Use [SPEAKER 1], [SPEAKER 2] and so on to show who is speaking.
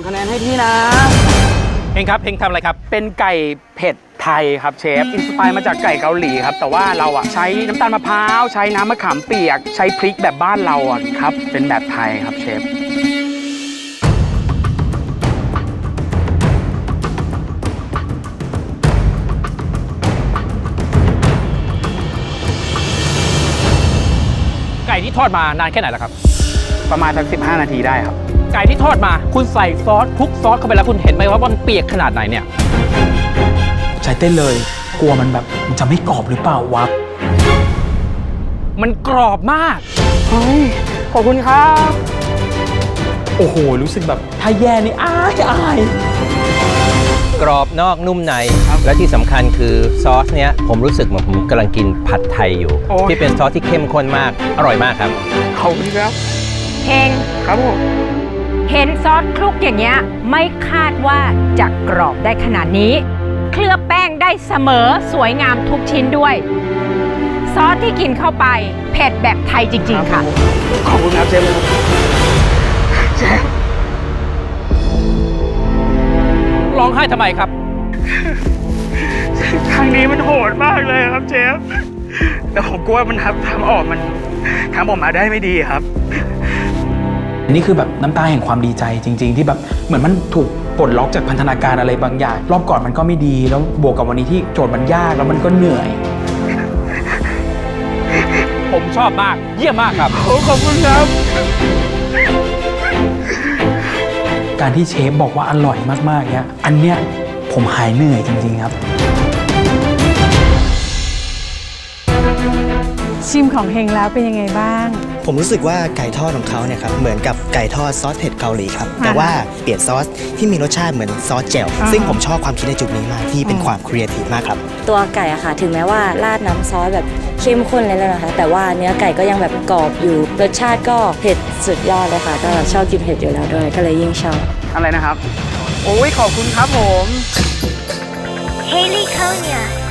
[SPEAKER 1] 2 คะแนนให้พี่นะ
[SPEAKER 2] เฮงครับเฮงทำอะไรครับ
[SPEAKER 1] เป็นไก่เผ็ดไทยครับเชฟอินสไปร์มาจากไก่เกาหลีครับแต่ว่าเราใช้น้ำตาลมะพร้าวใช้น้ำมะขามเปียกใช้พริกแบบบ้านเราครับเป็นแบบไทยครับเชฟ
[SPEAKER 2] ไก่ที่ทอดมานานแค่ไหนแล้วครับ
[SPEAKER 1] ประมาณสัก15 นาทีได้ครับ
[SPEAKER 2] ไก่ที่ทอดมาคุณใส่ซอสคลุกซอสเข้าไปแล้วคุณเห็นไหมว่ามันเปียกขนาดไหนเนี่ย
[SPEAKER 3] ใจเต้นเลยกลัวมันแบบมันจะไม่กรอบหรือเปล่าวะ
[SPEAKER 2] มันกรอบมาก
[SPEAKER 1] เฮ้ยขอบคุณครับ
[SPEAKER 3] โอ้โหรู้สึกแบบถ้าแย่นี่อาย
[SPEAKER 4] กรอบนอกนุ่มในและที่สำคัญคือซอสเนี้ยผมรู้สึกเหมือนผมกำลังกินผัดไทยอยู่ที่เป็นซอสที่เข้มข้นมากอร่อยมากครับ
[SPEAKER 1] ขอบคุณครับ
[SPEAKER 5] เฮง
[SPEAKER 1] ครับผม
[SPEAKER 5] เห็นซอสคลุกอย่างเงี้ยไม่คาดว่าจะกรอบได้ขนาดนี้เคลือบแป้งได้เสมอสวยงามทุกชิ้นด้วยซอสที่กินเข้าไปเผ็ดแบบไทยจริงๆค่ะ
[SPEAKER 1] ขอบคุณครับเชฟเชฟ
[SPEAKER 2] ร้องไห้ทำไมครับ
[SPEAKER 1] ครั้งนี้มันโหดมากเลยครับเชฟแต่ผมกลัวมันทำออกมันทำออกมาได้ไม่ดีครับ
[SPEAKER 3] อันนี้คือแบบน้ำตาแห่งความดีใจจริงๆที่แบบเหมือนมันถูกปลดล็อกจากพันธนาการอะไรบางอย่างรอบก่อนมันก็ไม่ดีแล้วบวกกับวันนี้ที่โจทย์มันยากแล้วมันก็เหนื่อย
[SPEAKER 2] ผมชอบมากเยี่ยมมากครับ
[SPEAKER 1] ขอบคุณครับ
[SPEAKER 3] การที่เชฟบอกว่าอร่อยมากๆเนี่ยอันเนี้ยผมหายเหนื่อยจริงๆครับ
[SPEAKER 6] ชิมของเฮงแล้วเป็นยังไงบ้าง
[SPEAKER 7] ผมรู้สึกว่าไก่ทอดของเขาเนี่ยครับเหมือนกับไก่ทอดซอสเผ็ดเกาหลีครับแต่ว่าเปลี่ยนซอสที่มีรสชาติเหมือนซอสแจ่วซึ่งผมชอบความคิดในจุดนี้มากที่เป็นความครีเอทีฟมากครับ
[SPEAKER 8] ตัวไก่อะค่ะถึงแม้ว่าราดน้ำซอสแบบเข้มข้นเลยแล้วนะคะแต่ว่าเนื้อไก่ก็ยังแบบกรอบอยู่รสชาติก็เผ็ดสุดยอดเลยค่ะก็ชอบกินเผ็ดอยู่แล้วด้วยก็เลยยิ่งชอบ
[SPEAKER 1] อะไรนะครับโอ้ยขอบคุณครับผม
[SPEAKER 9] Haley Konya